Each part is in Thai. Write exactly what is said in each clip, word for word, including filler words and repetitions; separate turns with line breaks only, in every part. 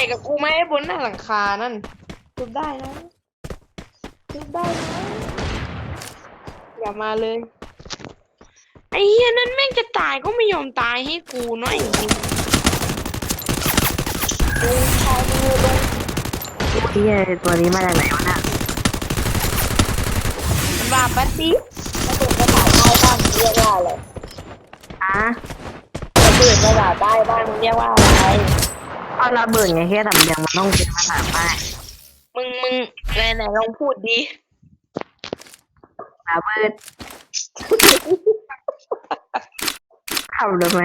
กับกูไหมบนหน้าหลังคานั่นทุบได้นะทุบได้นะอย่ามาเลยไอ้เฮียนั่นแม่งจะตายก็ไม่ยอมตายให้กูหน่อยมึงดูพอดูลง
เฮียตัวนี้มาจากไหนวะเนี่ย
มันว่าปัดดิระเบิดภาษาใต้บ้างเรียกว่าอะไร
อ่ะ
ระเบิดภาษาใต้บ้างเรียกว่าอะไร
เอาระเบิดไงแค่สำเนียงมันต้องเป็นภาษาใต้
มึงมึงไหนไหนลองพูดดิ
ระเบิดทำได้ไหม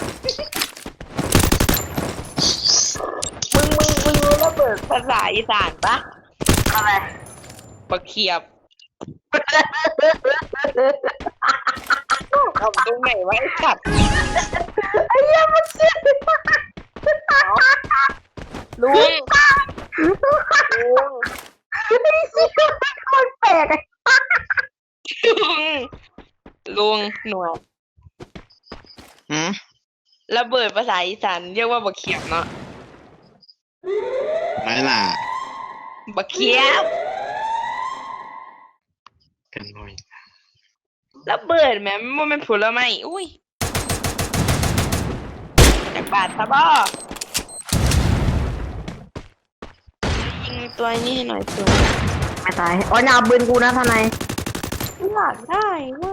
มึงมึงมึงรู้ระเบิดภาษาอีสานปะ
อะไร
ปะเขียบเอาตรงไหนไว้สัตว์
ไอ้เหี้ยมันเชี่ย
ลุงลุง
ไอ้เชี่ยมันแปลกไอ้
ลุงลุงหนวด
หืม
ระเบิดภาษาอีสานเรียกว่าบักเขียบเนาะ
ไรล่ะ
บักเขียบ
กันหน่อย
ระเบิดแม่มันเป็นผลไม้อุ้ยจากบาทซะบ่ยิงตัวนี้ให้หน่อยตัว
ไม่ตายอ๋ออย่าเอาปืนกูนะทนาย
อยากได้ว่า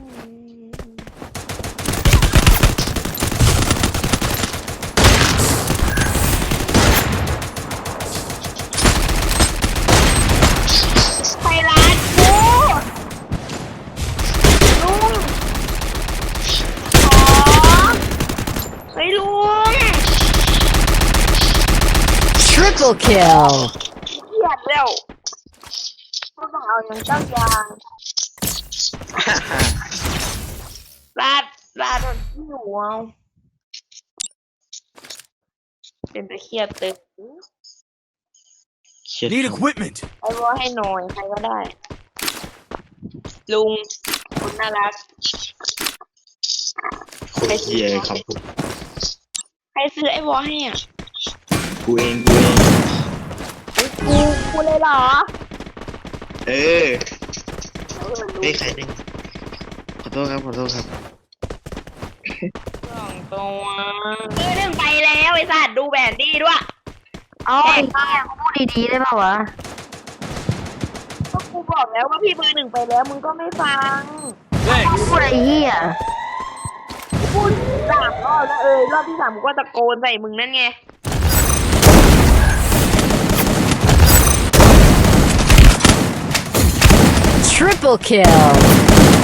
ไปร้านกูลุงขอเฮ้ยลุง
Triple kill.
เกลียดแล้วก็ต้องเอาอย่างเจ้ายางลาดลาดมันที่หัวเป็นตะเคียบตึก
เช็ด
Need equipment.
ไอ้ว่าให้หน่อยใครก็ได้ ลุงคุณน่ารัก
คนเฮียครับผม
ใครซื้อไอ้วอให้อ่ะ
กูเองกูเอง
กูกูเลยเหรอ
เออเฮ้ยใครเนี่ยขอโทษครับขอโทษครับ
สองตัวคือหนึ่งไปแล้วไอ้สัตว์ดูแบนดี้ด้วย
เอาไอ้เหี้ยกูพูดดีๆได้ป่าววะ
ก็กูบอกแล้วว่าพี่เบอร์หนึ่งไปแล้วมึงก็ไม่ฟัง
กูพูดไอ้เหี้ย
กูพูดสามรอบแล้วเออรอบที่สามกูก็ตะโกนใส่มึงนั่นไง
Triple kill.